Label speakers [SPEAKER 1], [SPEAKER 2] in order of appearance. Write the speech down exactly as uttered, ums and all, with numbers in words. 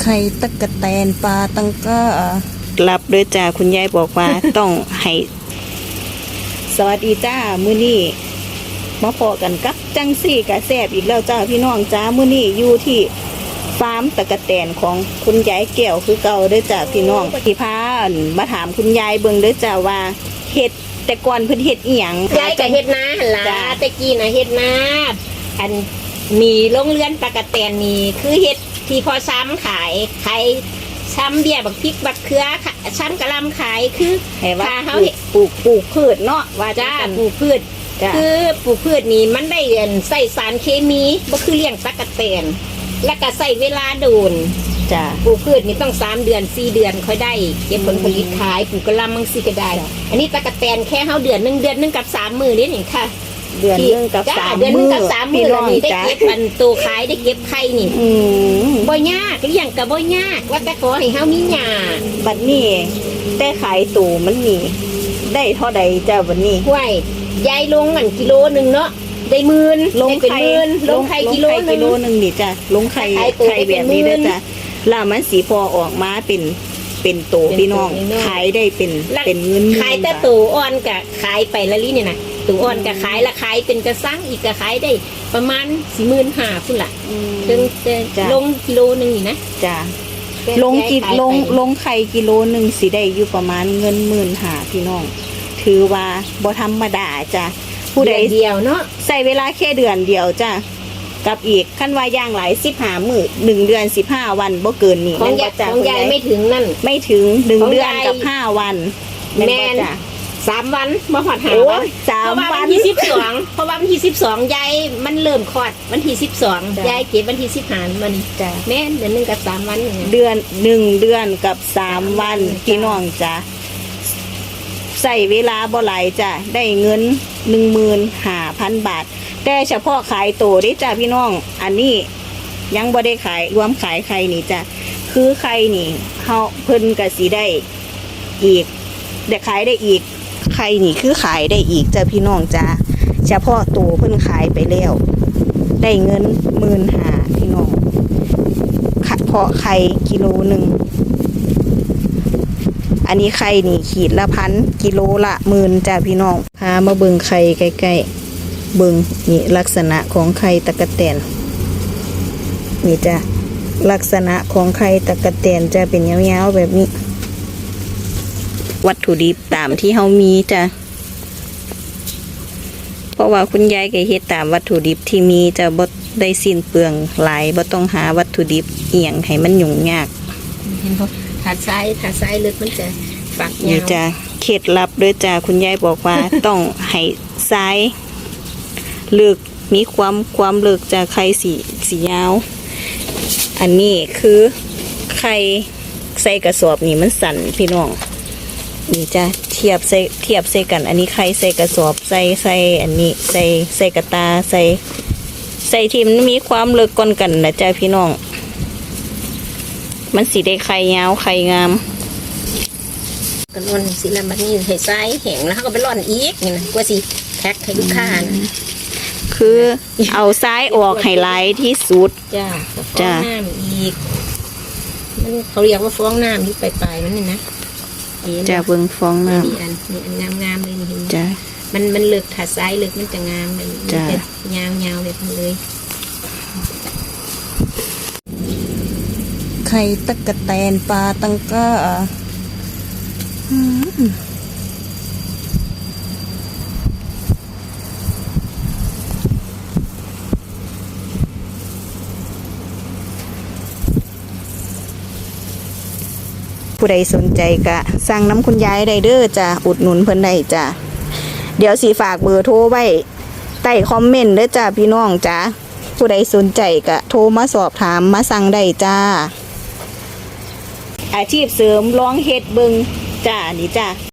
[SPEAKER 1] ข่ตะกะแตนปลาตังก้ารับด้วยจ้าคุณยายบอกว่า ต้องให้สวัสดีจ้ามื้อนี้มาพอกันกับจังซี่กะแซ่บอีกแล้วจ้าพี่น้องจ้ามื้อนี้อยู่ที่ฟาร์มตะกะแตนของคุณยายแก้วคือเก่าเด้อจ้าพี่น้องที่พามาถามคุณยายเบิ่งเด้อจ้าว่าเฮ็ดแต่ก่อนเพิ่นเฮ็ดอีหยัง
[SPEAKER 2] ยายก็เฮ็ดนาหั่นล่ะแต่กี้น่ะเฮ็ดนาอันมีโรงเรือนตะกะแตนนี่คือเฮ็ดที่พอซ้ำขายขายซ้ำเบี้ยบักพริกบักเขือซ้ำกะหล่ำขายคือ
[SPEAKER 1] ให้ว่าเฮาปลูกปลูกพืชเนาะว่า
[SPEAKER 2] จ้าปลูกพืชคือปลูกพืชนี่มันได้ใส่สารเคมีบ่คือเลี้ยงตะกะแตนแล้วก็ใส่เวลาโดน
[SPEAKER 1] จ้า
[SPEAKER 2] ปลูกพืชนี่ต้องสามเดือนสี่เดือนค่อยได้เก็บผลผลิตขายปลูกกะหล่ำบางสิก็ได้อันนี้ตะกะแตนแค่เฮาเดือนนึงเดือนนึงกับสามมื้อนี่นี่ค่ะ
[SPEAKER 1] เดือนนึงกับสาม
[SPEAKER 2] เดือนนึงกับสามมื้อนี่ได้เก็บอันตัวขายได้เก็บไข่นี่บ่ยากเลี้ยงก็บ่ยากว่าแต่ขอให้เฮามีหญ้า
[SPEAKER 1] บัดนี้แต่ขายตัวมันมีได้เท่าใดจ้าบัดนี้
[SPEAKER 2] ห้วยยายลงอันกิโลนึงเนาะได้หมื่นลงเป็นหมื่นลงไข่กิโลนึง
[SPEAKER 1] กิโลนึงนี่จ้ะลงไข่ไข่แบบนี้นะจ้ะแล้วมันสีพอออกมาเป็นเป็นโตพี่น้องขายได้เป็นเป็นเงิน
[SPEAKER 2] ขายแต่ตัวอ่อนกะขายไปละลิเนี่ยนะตัวอ่อนกะขายละขายเป็นกระซังอีกกะขายได้ประมาณสี่หมื่นห้าพุ่นละถึงจะลงกิโลนึงนี่นะ
[SPEAKER 1] จ้ะลงกิลงลงไข่กิโลนึงสิได้อยู่ประมาณเงินหมื่นห้าพี่น้องถือว่าบ่ธรรมดาจ้ะผู้ใด
[SPEAKER 2] เดียวเนาะ
[SPEAKER 1] ใส่เวลาแค่เดือนเดียวจ้ะกับอีกขั้นว่าย่างหลายสิบห้ามื้อหนึ่งเดือนสิบห้าวันบ่เกินนี่
[SPEAKER 2] ของยายของยายไม่ถึงนั่น
[SPEAKER 1] ไม่ถึงหนึ่งเดือนกับห้าวัน
[SPEAKER 2] แม่นสามวันมาหอดหาวัน
[SPEAKER 1] สามวัน
[SPEAKER 2] ที่สิบสองเพราะว่าวันที่สิบสองยายมันเริ่มคลอดวันที่สิบสองยายเก็บวันที่สิบห้ามัน
[SPEAKER 1] จ้ะ
[SPEAKER 2] แม่นเดือนหนึ่งกับสามวัน
[SPEAKER 1] เดือนหนึ่งเดือนกับสามวันพี่น้องจ้ะใส่เวลาบ่หลายจ้ะได้เงินหนึ่งหมื่นห้าพันบาทแต่เฉพาะขายโตได้จ้ะพี่น้องอันนี้ยังบ่ได้ขายรวมขายไข่นี่จ้ะคือไข่นี่เขาเพิ่นก็สิได้อีกได้ขายได้อีกไข่นี่คือขายได้อีกจ้ะพี่น้องจ้ะเฉพาะโตเพิ่นขายไปแล้วได้เงินหมื่นห้าพี่น้องเพาะไข่กิโลหนึ่งอันนี้ไข่นี่ขีดละพันกิโลละหมื่นจ้ะพี่น้องพามาเบิ่งไข่ใกล้ๆเบิ่งนี่ลักษณะของไข่ตะกะแตนนี่จ้ะลักษณะของไข่ตะกะแตนจะเป็นยาวๆแบบนี้วัตถุดิบตามที่เฮามีจ้ะเพราะว่าคุณยายก็เฮ็ดตามวัตถุดิบที่มีจะบ่ได้สิ้นเปลืองหลายบ่ต้องหาวัตถุดิบเอียงให้มันยุ่งยาก
[SPEAKER 2] เห็นบ่ถ้าทรายถ้าทรายลึกมันจะฝักยาว
[SPEAKER 1] นี่จ้ะเคล็ดลับด้วยจ้ะคุณยายบอกว่า ต้องให้ทรายลึกมีความความลึกจากไข่สีสียาวอันนี้คือไข่ใส่กระสอบนี่มันสั่นพี่น้องนี่จ้ะเทียบใส่เทียบใส่กันอันนี้ไข่ใส่กระสอบใส่ใส่อันนี้ใส่ใส่กระตาใส่ใส่ที่มันมีความลึกก่อนกันนะจ้ะพี่น้องมันสีได้ไข่ยาวไข่งาม
[SPEAKER 2] กันร่อนสีละมันนี่ให้ทรายแห้งแล้วเขาก็ไปร่อนอีกนี่นะกว่าสิแพ็คให้ลูกค้านะ
[SPEAKER 1] คือเอาซ้ายออกให้ไหลที่สุด
[SPEAKER 2] จ้าจ้าน้ำอีกมันเขาเรียกว่าฟองน้ำที่ปลายๆมันนี่นะ
[SPEAKER 1] จะเบิ่งฟองน้ำ
[SPEAKER 2] มีอันมีอันงามๆเลยนี่
[SPEAKER 1] จ้า
[SPEAKER 2] มันมันเลือกถัดซ้ายเลือกมันจะงามมันจะยาวๆเลยทั้งเลย
[SPEAKER 1] ไข่ตะกะแตนปลาตังก้าผู้ใดสนใจก็สั่งน้ำคุณยายได้เด้อจ้ะอุดหนุนเพิ่นได้จ้ะเดี๋ยวสีฝากเบอร์โทรไว้ใต้คอมเมนต์เด้อจ้ะพี่น้องจ้ะผู้ใดสนใจก็โทรมาสอบถามมาสั่งได้จ้าอาชีพเสริมร้องเฮ็ดเบิงจ้านี่จ้า